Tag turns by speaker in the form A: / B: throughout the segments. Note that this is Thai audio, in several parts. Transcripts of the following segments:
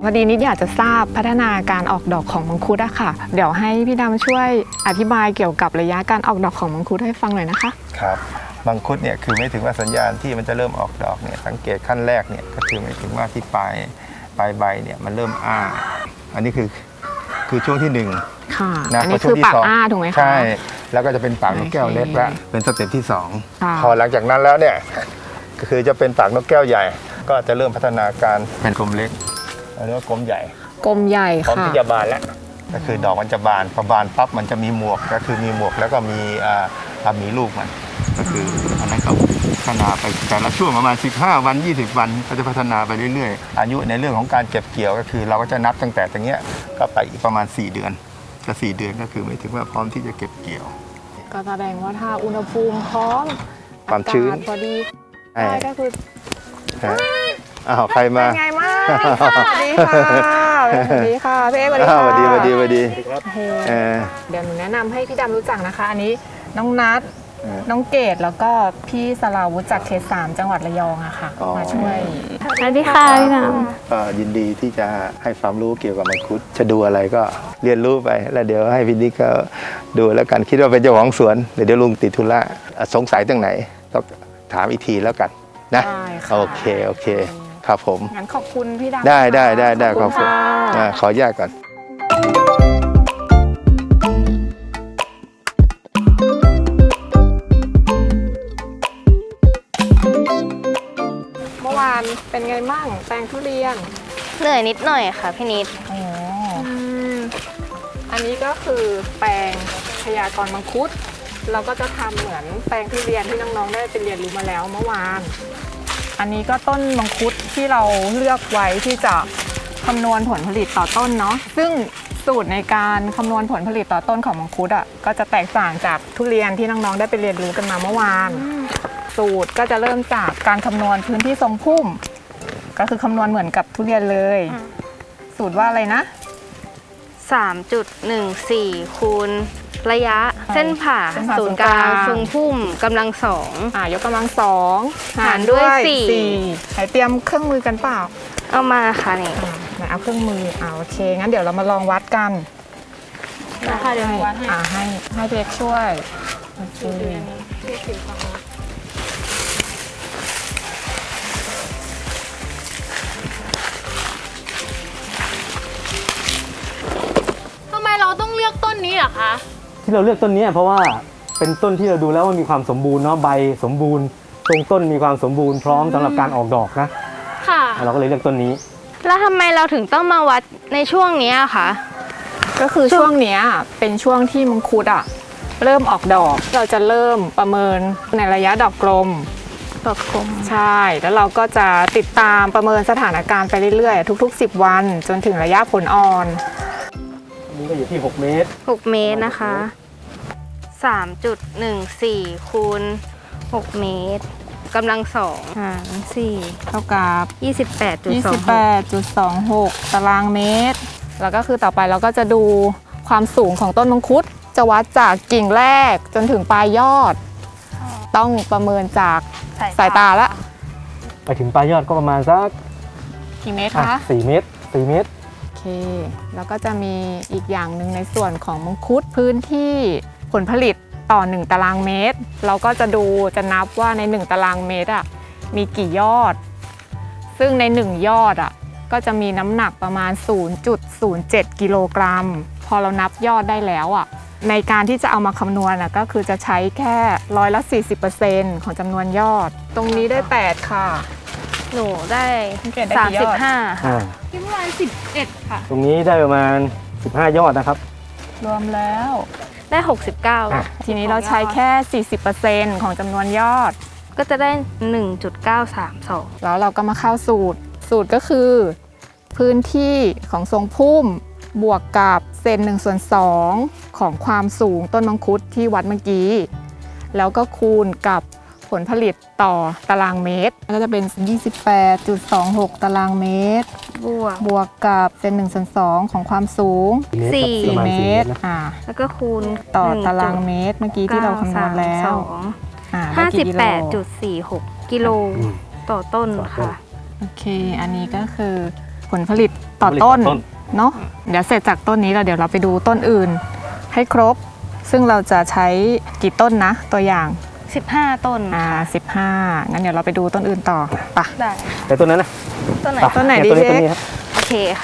A: พอดีนิดอยากจะทราบพัฒนาการออกดอกของมังคุดอะค่ะ เดี๋ยวให้พี่ดำช่วยอธิบายเกี่ยวกับระยะการออกดอกของมังคุดให้ฟังหน่อยนะคะ
B: ครับมังคุดเนี่ยคือไม่ถึงว่าสัญญาณที่มันจะเริ่มออกดอกเนี่ยสังเกตขั้นแรกเนี่ยก็คือไม่ถึงว่าที่ปลายใบเนี่ยมันเริ่มอ้าอันนี้คือช่วงที่1
A: ค่ะ
B: นะ
A: อันนี้คือปากอ้าถูกไหมคะ
B: ใช่แล้วก็จะเป็นปากนกแก้วเล็กละเป็นสเต็ปที่
A: ค่ะ
B: 2พอหลังจากนั้นแล้วเนี่ยก็คือจะเป็นปากนกแก้วใหญ่ ก็จะเริ่มพัฒนาการเป็นกลมเล็กเรียกว่ากลมใหญ่
A: กลมใหญ่
B: พร้อม
A: ค่ะ
B: ที่จะบานแล้วก็คือดอกมันจะบานพอบานปั๊บมันจะมีหมวกก็คือมีหมวกแล้วก็มีลูกมันก็คืออันนั้นก็พัฒนาไปแต่ละช่วงประมาณ15 วัน 20 วันก็จะพัฒนาไปเรื่อยๆอายุในเรื่องของการเก็บเกี่ยวก็คือเราก็จะนับตั้งแต่ตรงเนี้ยก็ไปอีกประมาณ4 เดือนก็4 เดือนก็คือไม่ถึงว่าพร้อมที่จะเก็บเกี่ยว
A: ก็แสดงว่าถ้าอุณหภูมิพร้อม
B: ความชื้น
A: อากาศพอดี
B: ใช่
A: ได้ก็คือ
B: อ้าวใครมา
A: เป็นไงมากสวัสดีค่ะสวัสดีค่ะพี่เอ๊สวัสดี
B: อ้า
A: ค่ะ
B: วสวัสดีสวัสดีสวัสดี
A: โอ้โห
B: เออ
A: เดี๋ยวหนูแนะนำให้พี่ดำรู้จักนะคะ อันนี้น้องนัท
B: เออ
A: น้องเกดแล้วก็พี่สราวุธจากเขต 3 จังหวัดระยองอะค่ะ
B: อ๋อ
A: มาช่วย
C: สวัสดีค่ะพี่น้
B: ก็ยินดีที่จะให้ความรู้เกี่ยวกับมังคุดจะดูอะไรก็เรียนรู้ไปแล้วเดี๋ยวให้พี่นิกก็ดูแล้วกันคิดว่าเป็นเจ้าของสวนเดี๋ยวลุงติดธุระสงสัยตรงไหนก็ถามอีกทีแล้วกันนะ
A: ได้ค่ะ
B: โอเคครับผม
A: งั้นขอบคุณพี่ดำ
B: ได้
A: ข
B: ข
A: อ
B: อ
A: บบ คุ
B: คุณ ณ
A: ค่ะ
B: ขออนุญาตก่อน
A: เมื่อวานเป็นไงมั่งแปลงทุเรียน
C: ำเหนื่อยนิดหน่อยค่ะพี่นิด
A: โอ้อันนี้ก็คือแปลงพยากรณ์มังคุด เราก็จะทำเหมือนแปลงทุเรียนที่น้องๆได้ไปเรียนรู้มาแล้วเมื่อวาน อันนี้ก็ต้นมังคุดที่เราเลือกไว้ที่จะคำนวณผลผลิตต่อต้นเนาะ ซึ่งสูตรในการคำนวณผลผลิตต่อต้นของมังคุดอ่ะก็จะแตกต่างจากทุเรียนที่น้องๆได้ไปเรียนรู้กันมาเมื่อวาน สูตรก็จะเริ่มจากการคำนวณพื้นที่ทรงพุ่ม ก็คือคำนวณเหมือนกับทุเรียนเลย สูตรว่าอะไรนะ
C: 3.14 คูณระยะเส้นผ่า
A: เส้นผ่า
C: ศูนย์กลาง
A: ศู
C: ทร
A: น
C: ง
A: ย์กลาง
C: พุ่มกำลังสอง
A: ยกกำลังสอง
C: หารด้วยสี่
A: ไหนเตรียมเครื่องมือกันเปล่า
C: เอามาค่ะนี่
A: ไหนเอาเครื่องมือโอเคงั้นเดี๋ยวเรามาลองวัดกัน
C: นะคะเดี๋ยววัดให้
A: ให้เด็กช่วยโอเค
D: ทำไมเราต้องเลือกต้นนี้เหรอคะ
E: ที่เราเลือกต้นนี้เพราะว่าเป็นต้นที่เราดูแล้วว่ามีความสมบูรณ์เนาะใบสมบูรณ์ทรงต้นมีความสมบูรณ์พร้อมสำหรับการออกดอกนะ
D: ค่ะ
E: เราก็เลยเลือกต้นนี้
C: แล้วทำไมเราถึงต้องมาวัดในช่วงนี้อะคะ
A: ก็คือช่วงเนี้ยเป็นช่วงที่มังคุดเริ่มออกดอก เราจะเริ่มประเมินในระยะดอกกลม
C: ดอกกลม
A: ใช่ แล้วเราก็จะติดตามประเมินสถานการณ์ไปเรื่อยๆ ทุกๆ 10 วันจนถึงระยะผลอ่อน
E: อันนี้ก็อยู่ที่ 6 เมตร
C: 6 เมตรนะคะ 3.14 คูณ 6 เมตรกำลังสองหาร
A: เท่ากับ
C: 4 28.26
A: 28.26 ตารางเมตร แล้วก็คือต่อไปเราก็จะดูความสูงของต้นมังคุด จะวัดจากกิ่งแรกจนถึงปลายยอด ต้องประเมินจากสายตาละ
E: ไปถึงปลายยอดก็ประมาณสัก
A: กี่เมตร
E: อ่ะ
A: คะ
E: 4 เมตร 4 เมตร
A: โอเค แล้วก็จะมีอีกอย่างหนึ่งในส่วนของมังคุดพื้นที่ผลผลิตต่อ 1 ตารางเมตร เราก็จะนับว่าใน 1 ตารางเมตรมีกี่ยอด ซึ่งใน 1 ยอดก็จะมีน้ำหนักประมาณ 0.07 กิโลกรัม พอเรานับยอดได้แล้วในการที่จะเอามาคำนวณก็คือจะใช้แค่40% ของจำนวนยอด ตรงนี้ได้ 8 ค่ะ
C: หนูได้
A: เกรดได้กี่ยอด
C: 35 ค่ะ
D: ที่เมื่อวาน11 ค่ะ
E: ตรงนี้ได้ประมาณ 15 ยอดนะครับ
A: รวมแล้ว
C: ได้ 69
A: ทีนี้เราใช้แค่ 40% ของจำนวนยอด
C: ก็จะได้ 1.932
A: แล้วเราก็มาเข้าสูตร สูตรก็คือ พื้นที่ของทรงพุ่มบวกกับเศษ1/2ของความสูงต้นมังคุดที่วัดเมื่อกี้ แล้วก็คูณกับผลผลิตต่อตารางเมตร ก็จะเป็น 28.26 ตารางเมตร บวกกับเศษ1/2ของความสูง
E: 4
A: 4
E: เม
A: เม
E: ต
A: ต
E: ร
A: ร
E: ครับประมาณ4 เมตรนะ
C: แล้วก็คูณ
A: ต่อตารางเมตรเมื่อกี้ที่เราคำนวณแล้วได้กี่กิโล
C: 58.46 กิโลต่อต้นค่ะ
A: โอเค อันนี้ก็คือผลผลิตต่อต้นเนาะเดี๋ยวเสร็จจากต้นนี้แล้วเดี๋ยวเราไปดูต้นอื่นให้ครบ ซึ่งเราจะใช้กี่ต้นนะตัวอย่าง
C: 15 ต้น
A: 15งั้นเดี๋ยวเราไปดูต้นอื่นต่อไปะ
C: ได้
E: แต่ต้นนั้นนะ
C: ต้นไหน
A: ต้นไหนดี
E: เย
A: เช็ค
E: ต้นนี้ครับ
C: โอเคค่ะ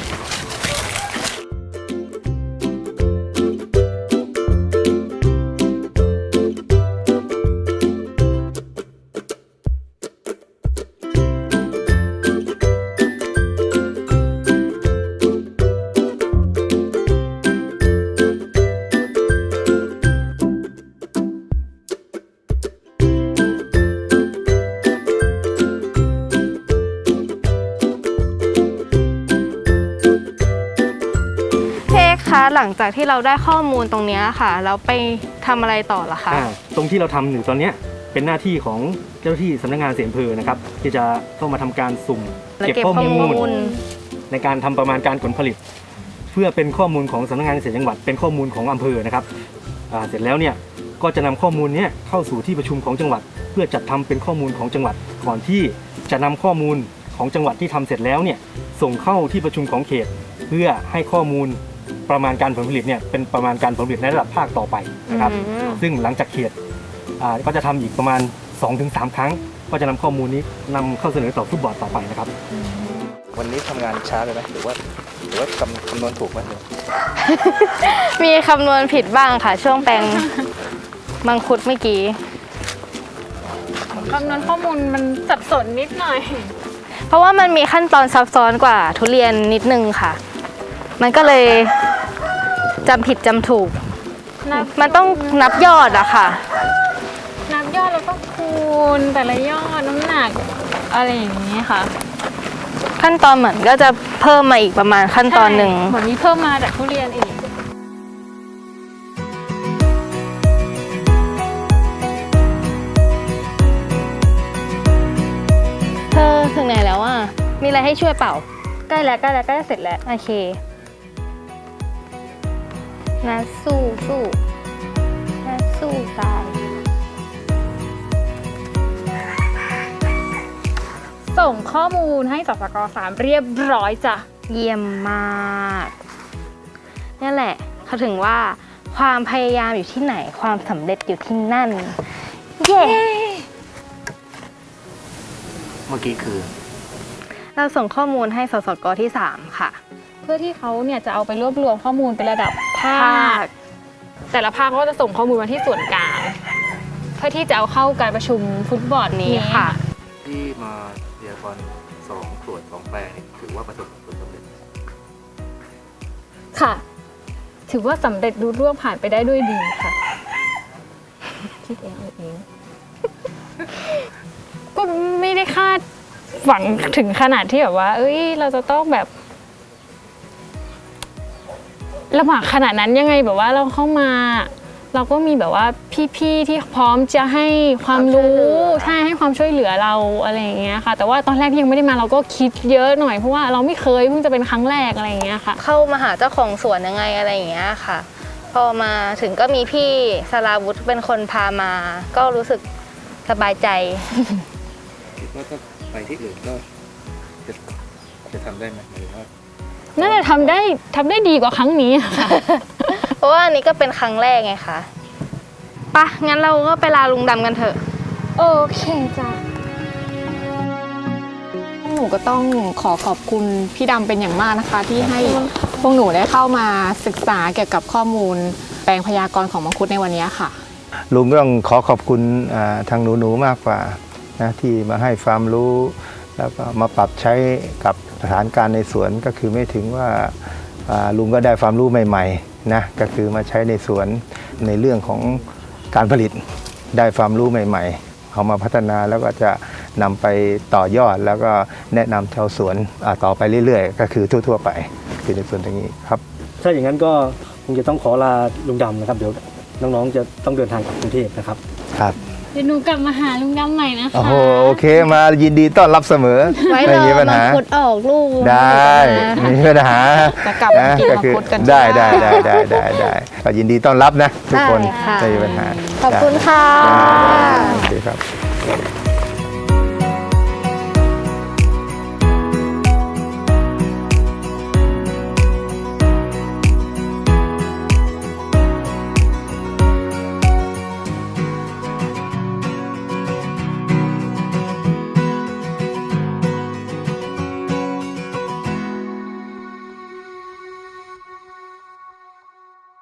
C: เค้กคะหลังจากที่เราได้ข้อมูลตรงเนี้ยค่ะแล้วไปทำอะไรต่อล่ะคะ
E: ตรงที่เราทำอยู่ตอนเนี้ยเป็นหน้าที่ของเจ้าหน้าที่สำนักงานเสียอำเภอนะครับที่จะเข้ามาทำการสุ่ม
C: แล้ว
E: เก็บ
C: เก็บ
E: ข้อ
C: ข้อ
E: มู
C: มู
E: ล
C: ล
E: ในการทำประมาณการผลผลิต เพื่อเป็นข้อมูลของสำนักงานเกษตรจังหวัดเป็นข้อมูลของอำเภอนะครับเสร็จแล้วเนี่ยก็จะนำข้อมูลเนี้ยเข้าสู่ที่ประชุมของจังหวัด เพื่อจัดทำเป็นข้อมูลของจังหวัด ก่อนที่จะนำข้อมูลของจังหวัดที่ทำเสร็จแล้วเนี่ยส่งเข้าที่ประชุมของเขต เพื่อให้ข้อมูลประมาณการผลผลิตเนี่ยเป็นประมาณการผลผลิตในระดับภาคต่อไปนะครับ ซึ่งหลังจากเขตก็จะทำอีกประมาณ 2-3 ครั้ง ก็จะนำข้อมูลนี้นำเข้าเสนอต่อฟุตบอลต่อไปนะครับ
B: วันนี้ทำงานช้าเลยไหมหรือว่าคำนวณถูกไหม
C: มีคำนวณผิดบ้างค่ะ ช่วงแปลงมังคุดเมื่อกี้
D: คำนวณข้อมูลมันสับสนนิดหน่อย
C: เพราะว่ามันมีขั้นตอนซับซ้อนกว่าทุเรียนนิดนึงค่ะ มันก็เลยจำผิดจำถูก มันต้องนับยอดอะค่ะ
D: นับยอดแล้วก็คูณแต่ละยอดน้ำหนักอะไรอย่างนี้ค่ะ
C: ขั้นตอนเหมือนก็จะเพิ่มมาอีกประมาณขั้นตอนหนึ่ง
D: ใช่เหมือนมีเพิ่มมาจากทุเรียนอีก
C: เธอถึงไหนแล้วอ่ะ มีอะไรให้ช่วยเปล่า ใกล้แล้วใกล้แล้วใกล้จะเสร็จแล้ว โอเคนะสู้นะสู้ตาย
D: ส่งข้อมูลให้สสก3เรียบร้อยจ้ะ
C: เยี่ยมมากนี่แหละเขาถึงว่าความพยายามอยู่ที่ไหนความสำเร็จอยู่ที่นั่น เย้
E: เมื่อกี้คือ
C: เราส่งข้อมูลให้สสกที่ 3 ค่ะ
D: เพื่อที่เขาเนี่ยจะเอาไปรวบรวมข้อมูลเป็นระดับภา
C: ภา
D: ค
C: ค
D: แต่ละภาคก็จะส่งข้อมูลมาที่ส่วนกลาง เพื่อที่จะเอาเข้าการประชุมฟุตบอล
C: นี้ค่ะ
B: ที่มาพยากรณ์2 ส่วน 2 แปลงนี่ถือว่าประสบผลสำเร็จ
D: ค่ะ ถือว่าสำเร็จรุ่ร่วงผ่านไปได้ด้วยดีค่ะ คิดเองเอาเอง ก็ไม่ได้คาดหวังถึงขนาดที่แบบว่า เอ้ย เราจะต้องแบบลำบากขนาดนั้นยังไงแบบว่าเราเข้ามา เราก็มีแบบว่าพี่ๆที่พร้อมจะให้ความรู้ใช่ให้ความช่วยเหลือเราอะไรอย่างเงี้ยค่ะ แต่ว่าตอนแรกที่ยังไม่ได้มาเราก็คิดเยอะหน่อยเพราะว่าเราไม่เคยเพิ่งจะเป็นครั้งแรกอะไรอย่างเงี้ยค่ะ
C: เข้ามาหาเจ้าของสวนยังไงอะไรอย่างเงี้ยค่ะ พอมาถึงก็มีพี่สราวุธเป็นคนพามา ก็รู้สึกสบายใจ
B: คิดว่าถ้าไปที่อื่นก็จะทำได้ไหมหรือว่า
D: น่าจะทำได้ดีกว่าครั้งนี้อะค่ะ
C: เพราะว่าอันนี้ก็เป็นครั้งแรกไงคะปะงั้นเราก็ไปลาลุงดำกันเถอะ
D: โอเคจ้ะ
A: หนูก็ต้องขอบคุณพี่ดำเป็นอย่างมากนะคะ ที่ให้พวกหนูได้เข้ามาศึกษาเกี่ยวกับข้อมูลแปลงพยากรณ์ของมังคุดในวันนี้ค่ะ
B: ลุงก็ต้องขอบคุณทางหนูๆมากกว่านะที่มาให้ความรู้ แล้วก็มาปรับใช้กับสถานการณ์ในสวนก็คือไม่ถึงว่าลุงก็ได้ความรู้ใหม่ๆนะก็คือมาใช้ในสวนในเรื่องของการผลิตได้ความรู้ใหม่ๆเอามาพัฒนาแล้วก็จะนำไปต่อยอดแล้วก็แนะนำชาวสวนต่อไปเรื่อยๆ ก็คือทั่วๆไปคือในส่วนตรงนี้ครับ
E: ถ้าอย่างนั้นก็คงจะต้องขอลาลุงดำนะครับ เดี๋ยวน้องๆจะต้องเดินทางกลับกรุงเทพนะครับ
B: ครับ
D: เดี๋ยวหนูกลับมาหาลุงดำใหม่นะคะ
B: โอ้โหโอเคมายินดีต้อนรับเสมอ
C: ไว้
B: ไม่
C: รอ
B: มีปัญ
C: มัง
B: หา
C: คุดออกลูก
B: ได้ไมมีปัญหา
A: จะกลับมากินมังคุดกัน
B: ได้
A: ใช่ไหม
B: ได้ก็ยินดีต้อนรับนะทุกคน
C: ได้ค่ะ
B: ไม่มีปัญหา
C: ขอบคุณค่ะ
B: ได้โอเคครับ